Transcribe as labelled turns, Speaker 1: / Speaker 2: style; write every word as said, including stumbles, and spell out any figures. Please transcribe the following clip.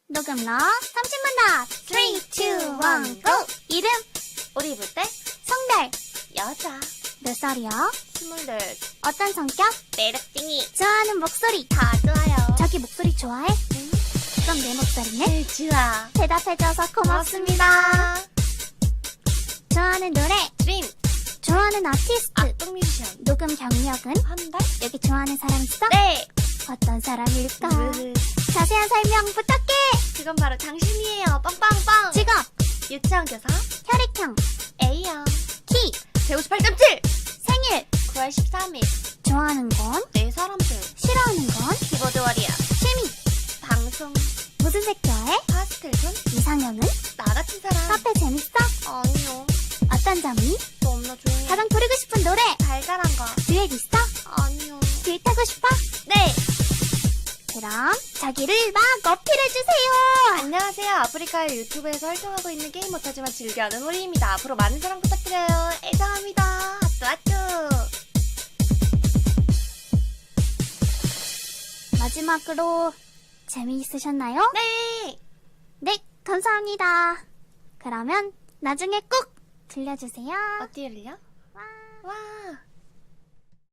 Speaker 1: 녹음러 삼십만 답 삼, 이, 일, 고! 이름
Speaker 2: 우리 입을 때
Speaker 1: 성별
Speaker 2: 여자
Speaker 1: 몇 살이야?
Speaker 2: 스물넷
Speaker 1: 어떤 성격?
Speaker 2: 매력쟁이
Speaker 1: 좋아하는 목소리
Speaker 2: 다 좋아요.
Speaker 1: 자기 목소리 좋아해?
Speaker 2: 응?
Speaker 1: 그럼 내 목소리는?
Speaker 2: 네, 좋아.
Speaker 1: 대답해줘서 고맙습니다. 좋아하는 노래
Speaker 2: 드림
Speaker 1: 좋아하는 아티스트
Speaker 2: 악동 뮤지션
Speaker 1: 녹음 경력은?
Speaker 2: 한 달?
Speaker 1: 여기 좋아하는 사람 있어?
Speaker 2: 네.
Speaker 1: 어떤 사람일까?
Speaker 2: 으흐.
Speaker 1: 자세한 설명 부탁해.
Speaker 2: 그건 바로 당신이에요. 빵빵빵.
Speaker 1: 직업
Speaker 2: 유치원 교사
Speaker 1: 혈액형
Speaker 2: A형
Speaker 1: 키
Speaker 2: 백오십팔 점 칠
Speaker 1: 생일
Speaker 2: 구월 십삼일
Speaker 1: 좋아하는 건?
Speaker 2: 네 사람들
Speaker 1: 싫어하는 건?
Speaker 2: 키보드 워리어
Speaker 1: 취미
Speaker 2: 방송
Speaker 1: 무슨 색 좋아해?
Speaker 2: 파스텔 톤
Speaker 1: 이상형은?
Speaker 2: 나 같은 사람
Speaker 1: 카페 재밌어?
Speaker 2: 아니요.
Speaker 1: 어떤 점이?
Speaker 2: 너무나 조용해.
Speaker 1: 가장 부르고 싶은 노래
Speaker 2: 달달한 거
Speaker 1: 듀엣 있어?
Speaker 2: 아니요.
Speaker 1: 듀엣 하고 싶어?
Speaker 2: 네.
Speaker 1: 그럼 자기를 막 어필해주세요.
Speaker 2: 안녕하세요. 아프리카의 유튜브에서 활동하고 있는 게임 못하지만 즐겨하는 우리입니다. 앞으로 많은 사랑 부탁드려요. 애정합니다. 하뚜 하뚜.
Speaker 1: 마지막으로 재미있으셨나요?
Speaker 2: 네.
Speaker 1: 네, 감사합니다. 그러면 나중에 꼭 들려주세요.
Speaker 2: 어디를요?
Speaker 1: 와.
Speaker 2: 와.